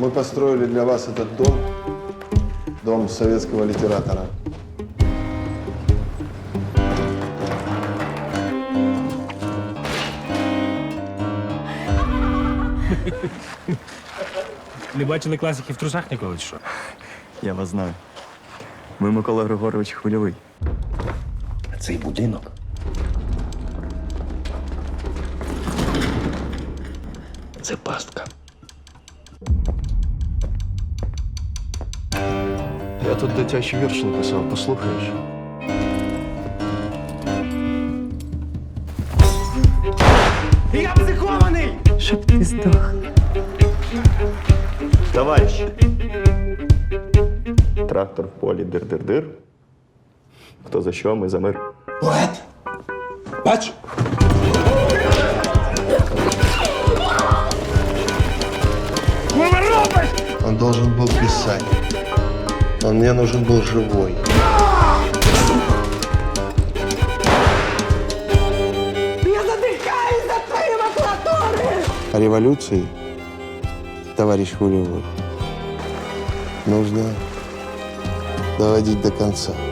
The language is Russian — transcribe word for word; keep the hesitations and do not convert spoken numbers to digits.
Мы построили для вас этот дом, дом советского литератора. Не бачили класиків в трусах ніколи, чи що? Я вас знаю. Ви Микола Григорович Хвильовий. Цей будинок. Це пастка. Я тут дитячий вірш написав, послухаєш? Я психований! Щоб ти здох. Товарищ! Трактор в полі дир-дир-дир. Хто за що, ми за мир. Поет! Бач! Он должен был писать. Он мне нужен был живой. Я задихаюсь за твоей макулатурой! О революции, товарищ Хвилевой, нужно доводить до конца.